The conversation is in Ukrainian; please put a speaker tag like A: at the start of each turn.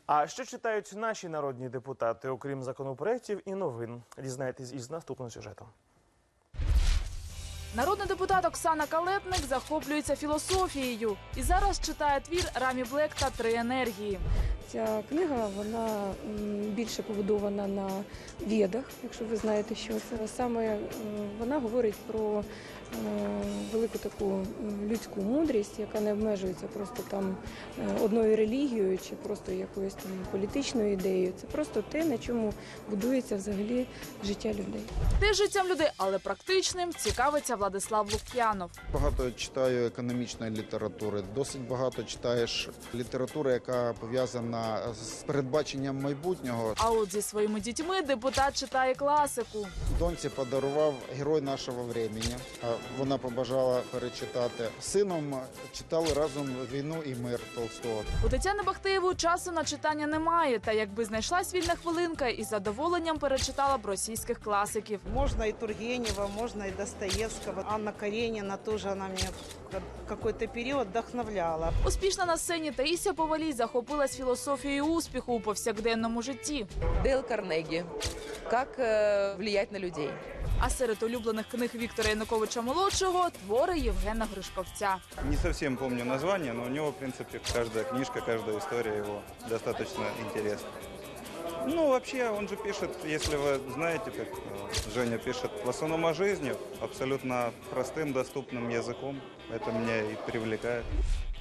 A: А що читають наші народні депутати, окрім законопроєктів і новин? Дізнайтесь із наступним сюжетом.
B: Народний депутат Оксана Калетник захоплюється філософією і зараз читає твір Рамі Блек та «Три енергії».
C: Ця книга, вона більше побудована на ведах, якщо ви знаєте, що це. Саме вона говорить про велику таку людську мудрість, яка не обмежується просто там одною релігією чи просто якоюсь там політичною ідеєю. Це просто те, на чому будується взагалі життя людей.
B: Теж життям людей, але практичним, цікавиться Владислав Лук'янов.
D: Багато читаю економічної літератури, досить багато читаєш літератури, яка пов'язана з передбаченням майбутнього.
B: А от зі своїми дітьми депутат читає класику.
D: Доньці подарував «Герой нашого времени». Вона побажала перечитати. З сином читали разом «Війну і мир» Толстого.
B: У Тетяни Бахтеєвої часу на читання немає, та якби знайшлась вільна хвилинка, із задоволенням перечитала б російських класиків.
E: Можно и Тургенева, можно и Достоевского. Анна Каренина тоже, она меня в какой-то период вдохновляла.
B: Успішна на сцені Таїсія Повалій захопилась філософією успіху у повсякденному житті.
F: Дейл Карнегі. Как влиять на людей.
B: А серед улюблених книг Віктора Януковича-молодшого – твори Євгена Гришковця.
G: Не совсем помню название, но у него, в принципе, каждая книжка, каждая история его достаточно интересна. Ну, вообще, он же пишет, если вы знаете, как Женя пишет, в основном о жизни, абсолютно простым, доступным языком. Это меня и привлекает.